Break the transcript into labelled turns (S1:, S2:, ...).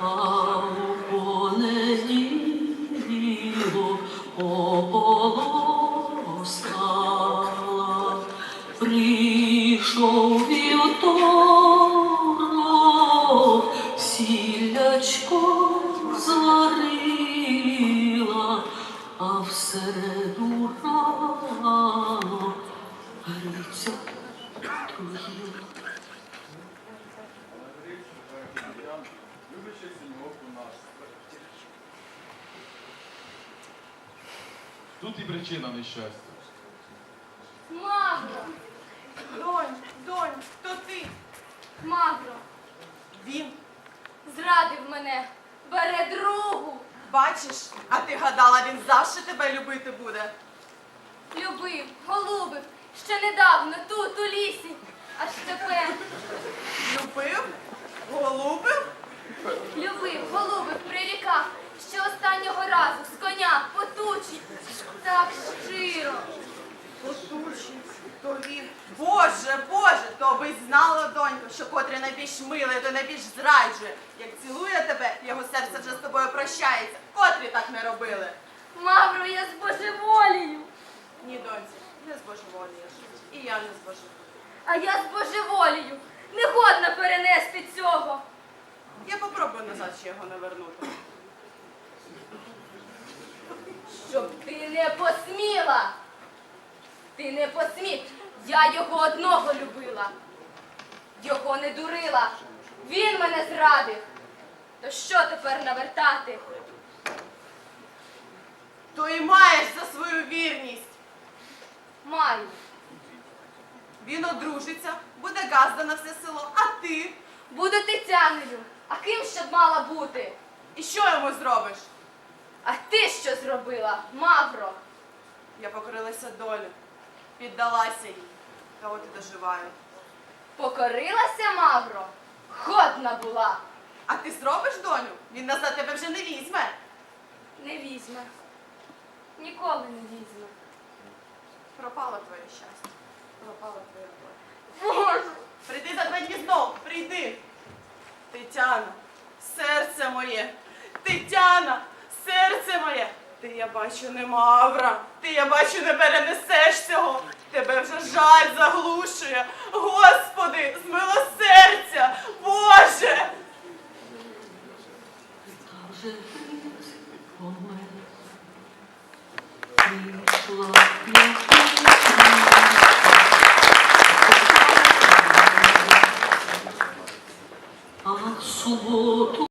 S1: у понеділок ополоскала. Прийшов вівторок, сіллячко зварила, а в середу рано Гриця труїла.
S2: Тут і причина нещастя.
S3: Мавро!
S4: Донь, то ти.
S3: Мавро!
S4: Він.
S3: Зрадив мене! Бере другу!
S4: Бачиш, а ти гадала, він завжди тебе любити буде.
S3: Любив, голубив, ще недавно тут, у лісі. Аж тепер
S4: Любив? Голубив?
S3: любив, голубив, прирікав, ще останнього разу з коня потучий. Так щиро.
S4: Потучий, то він. Боже, то би й знала, донько, що котрий найбільш милий, то найбільш зраджує. Як цілує тебе, його серце вже з тобою прощається. Котрі так не робили.
S3: Мавро, я збожеволію.
S4: Ні, доньці, не збожеволієш. І я не збожеволію.
S3: А я збожеволію. Не годна перенести цього.
S4: Я попробую назад ще його не вернути.
S3: Щоб ти не посміла. Ти не посмів. Я його одного любила. Його не дурила. Він мене зрадив. То що тепер навертати?
S4: То і маєш за свою вірність.
S3: Маю.
S4: Він одружиться, буде газда на все село, а ти?
S3: Буду Тетяною. А ким ще б мала бути?
S4: І що йому зробиш?
S3: А ти що зробила, Мавро?
S4: Я покорилася долі, піддалася їй, та от і доживаю.
S3: Покорилася, Мавро? Годна була.
S4: А ти зробиш, доню? Він назад тебе вже не візьме.
S3: Не візьме. Ніколи не візьме.
S4: Пропало твоє щастя, пропала твоя доля.
S3: Боже!
S4: Прийди за 2 дні знов, прийди. Тетяна, серце моє, Тетяна, серце моє. Ти, я бачу, не мавра, ти, я бачу, не перенесеш цього. Тебе вже жаль заглушує. Господи, змилосердя, Боже!
S1: Та вже Гриць помер. Прийшла а в суботу